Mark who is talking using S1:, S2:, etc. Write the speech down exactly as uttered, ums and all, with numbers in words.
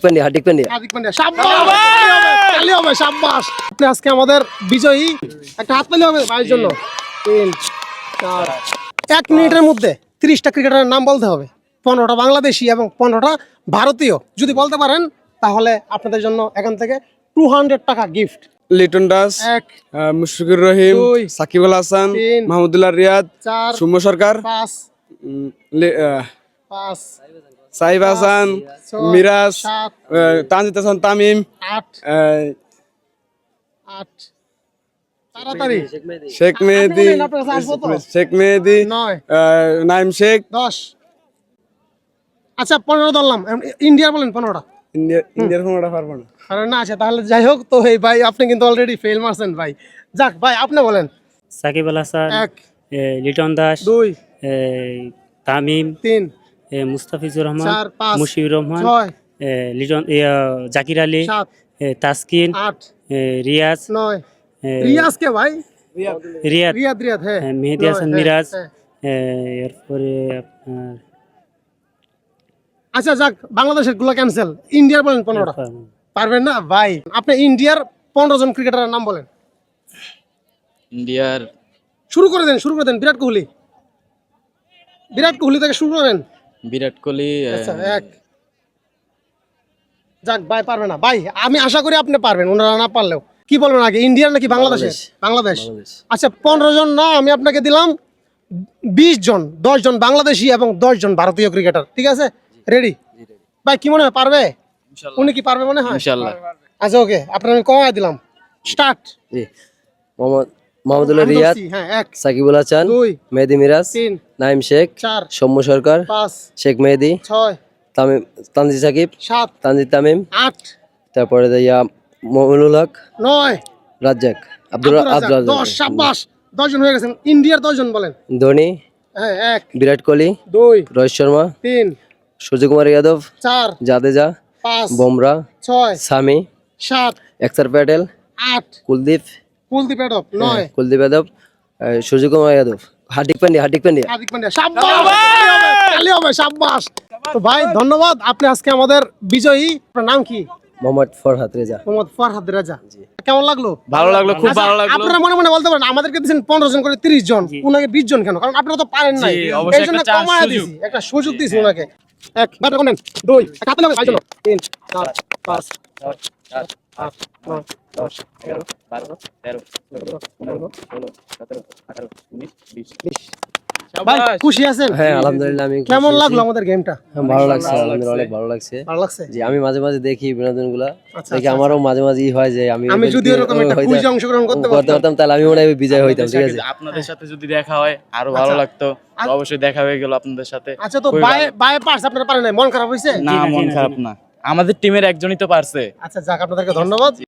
S1: পান্ডিয়া হার্দিক পান্ডিয়া
S2: হার্দিক পান্ডিয়া শাবাশ তালি হবে শাবাশ আপনি আজকে আমাদের বিজয়ী একটা হাত তালি হবে ভাইয়ের জন্য তিন চার এক মিনিটের মধ্যে ত্রিশটা ক্রিকেটারের নাম বলতে হবে পনেরোটা বাংলাদেশি এবং পনেরোটা ভারতীয় যদি বলতে পারেন তাহলে আপনাদের জন্য এখান থেকে টু হান্ড্রেড টাকা গিফট
S3: লিটন দাস,
S2: এক
S3: আহ, মুশফিকুর রহিম,
S2: দুই,
S3: সাকিব আল হাসান,
S2: তিন,
S3: মাহমুদুল্লাহ রিয়াদ,
S2: চার
S3: সৌম্য সরকার,
S2: পাঁচ
S3: উম, লে- আহ,
S2: পাঁচ
S3: সাইব হাসান,
S2: ছয়,
S3: মিরাজ,
S2: সাত
S3: আহ, তানজিদ হাসান তামিম,
S2: আট
S3: আহ,
S2: আট তাড়াতাড়ি
S3: শেখ
S2: আপনি
S3: মেহেদি,
S2: বলেন, আপনার কাছে আসবো তো?
S3: শেখ মেহেদি,
S2: নয়
S3: আহ, নাইম শেখ,
S2: দশ আচ্ছা পনেরো ধরলাম ইন্ডিয়ার বলেন পনেরোটা
S3: ইন্ডিয়া ইন্ডিয়ার কোনোটা পারবো না।
S2: আরে না আছে তাহলে যাই হোক তো এই ভাই আপনি কিন্তু অলরেডি ফেল মারছেন ভাই যাক ভাই আপনি বলেন
S4: সাকিব আল হাসান,
S2: এক
S4: এ, লিটন দাস,
S2: দুই
S4: এ, তামিম,
S2: তিন
S4: এ, মুস্তাফিজুর রহমান,
S2: চার পাঁচ
S4: মুশফিকুর রহমান,
S2: ছয়
S4: এ, লিটন এ, জাকির আলী,
S2: সাত
S4: এ, তাসকিন,
S2: আট
S4: এ, রিয়াজ,
S2: নয়
S4: এ,
S2: রিয়াজ কে ভাই
S4: রিয়াদ,
S2: রিয়াদ রিয়াদ হ্যাঁ
S4: এ, মেহেদি
S2: নয়,
S4: হাসান
S2: হ্যাঁ,
S4: মিরাজ,
S2: হ্যাঁ।
S4: এ, এরপরে আপনার
S2: আচ্ছা যাক বাংলাদেশের গুলো ক্যান্সেল ইন্ডিয়ার বলেন পনেরোটা পারবেন না ভাই আপনি ইন্ডিয়ার পনেরো জন ক্রিকেটারের নাম বলেন
S5: ইন্ডিয়ার
S2: শুরু করে দেন শুরু করে দেন বিরাট কোহলি বিরাট কোহলি থেকে শুরু করেন
S5: বিরাট কোহলি,
S2: আচ্ছা এক যাক ভাই পারবে না ভাই আমি আশা করি আপনি পারবেন ওনারা না পারলেও কি বলবেন আগে ইন্ডিয়ার নাকি বাংলাদেশের বাংলাদেশ আচ্ছা পনেরো জন না আমি আপনাকে দিলাম বিশ জন দশ জন বাংলাদেশি এবং দশ জন ভারতীয় ক্রিকেটার ঠিক আছে রেডি ভাই কি মনে হয় পারবে উনি কি পারবে মনে হয়
S5: ইনশাআল্লাহ।
S2: আচ্ছা ওকে আপনার আমি কমায় দিলাম স্টার্ট
S1: জি মোহাম্মদ মাহমুদুল্লাহ রিয়াদ,
S2: হ্যাঁ এক
S1: সাকিব আল হাসান,
S2: দুই
S1: মেহেদি মিরাজ,
S2: তিন
S1: নাইম শেখ,
S2: চার
S1: সৌম্য সরকার,
S2: পাঁচ
S1: শেখ মেহেদি,
S2: ছয়
S1: তামিম তানজিদ সাকিব,
S2: সাত
S1: তানজিদ তামিম,
S2: আট
S1: তারপরে দিয়া মমিনুল হক,
S2: নয়
S1: রাজ্জাক, আব্দুল
S2: আব্দুর রাজ্জাক,
S1: আব্দুল
S2: দশ সাব্বাস দশ জন হয়ে গেছেন ইন্ডিয়ার দশ জন বলেন
S1: ধোনি,
S2: হ্যাঁ এক
S1: বিরাট কোহলি,
S2: দুই
S1: রোহিত শর্মা,
S2: তিন
S1: সূর্যকুমার যাদব,
S2: চার
S1: জাদেজা,
S2: পাঁচ
S1: বুমরা,
S2: ছয়
S1: সামি,
S2: সাত
S1: অক্ষর প্যাটেল,
S2: আট
S1: কুলদীপ,
S2: কুলদীপ যাদব নয়
S1: কুলদীপ যাদব, আহ, সূর্যকুমার যাদব, হার্দিক পান্ডিয়া হার্দিক পান্ডিয়া
S2: হার্দিক পান্ডিয়া শাবাশ তালি হবে শাবাশ তো ভাই ধন্যবাদ আপনি আজকে আমাদের বিজয়ী আপনার নাম কি
S1: মোহাম্মদ ফরহাদ রেজা।
S2: মোহাম্মদ ফরহাদ রাজা কেমন লাগলো
S5: ভালো লাগলো, খুব
S2: আচ্ছা,
S5: ভালো লাগলো।
S2: আপনারা মনে মনে বলতে পারেন আমাদেরকে দিচ্ছেন পনেরো জন করে তিরিশ জন উনাকে বিশ জন কেন কারণ আপনারা তো পারেন নাই
S5: জি, অবশ্যই
S2: এই জন্য
S5: একটা chance,
S2: কমায়
S5: সুযোগ।
S2: দিছি একটা সুযোগ দিছি ওনাকে এক ব্যাটার কোনেন দুই এক হাতে লাগে ভাই জন্য তিন চার পাঁচ ছয় সাত আট নয় দশ এগারো
S5: বারো, তেরো, চৌদ্দ, পনেরো, ষোলো, সতেরো, আঠারো, উনিশ, বিশ।
S2: ভাই খুশি আছেন
S1: হ্যাঁ আলহামদুলিল্লাহ আমি খুশি
S2: কেমন
S1: আছি।
S2: লাগলো আমাদের গেমটা
S1: হ্যাঁ, ভালো লাগছে আলহামদুলিল্লাহ অনেক ভালো লাগছে।
S2: ভালো লাগছে
S1: জি আমি মাঝে মাঝে দেখি বিনোদন গুলা
S2: আচ্ছা,
S1: দেখি
S2: আচ্ছা,
S1: আমারও মাঝে মাঝে ই হয় যে আমি
S2: আমি
S1: ওদেরকে-
S2: যদি এরকম একটা
S1: হয়তো-
S2: কুইজে অংশগ্রহণ করতে
S1: করতে
S2: পারতাম
S1: পারতাম তাহলে আমি মনে হয় বিজয় হইতাম ঠিক আছে।
S5: আপনাদের সাথে যদি দেখা হয় আরো ভালো
S2: আচ্ছা।
S5: লাগতো, তো অবশ্যই দেখা হয়ে গেল আপনাদের সাথে।
S2: আচ্ছা তো
S5: খুবই
S2: বাই
S5: ভালো।
S2: বাই পার্স আপনারা পারেন নাই মন খারাপ হইছে
S5: না, মন খারাপ না, আমাদের টিমের একজনই তো পারছে।
S2: আচ্ছা যাক আপনাদেরকে ধন্যবাদ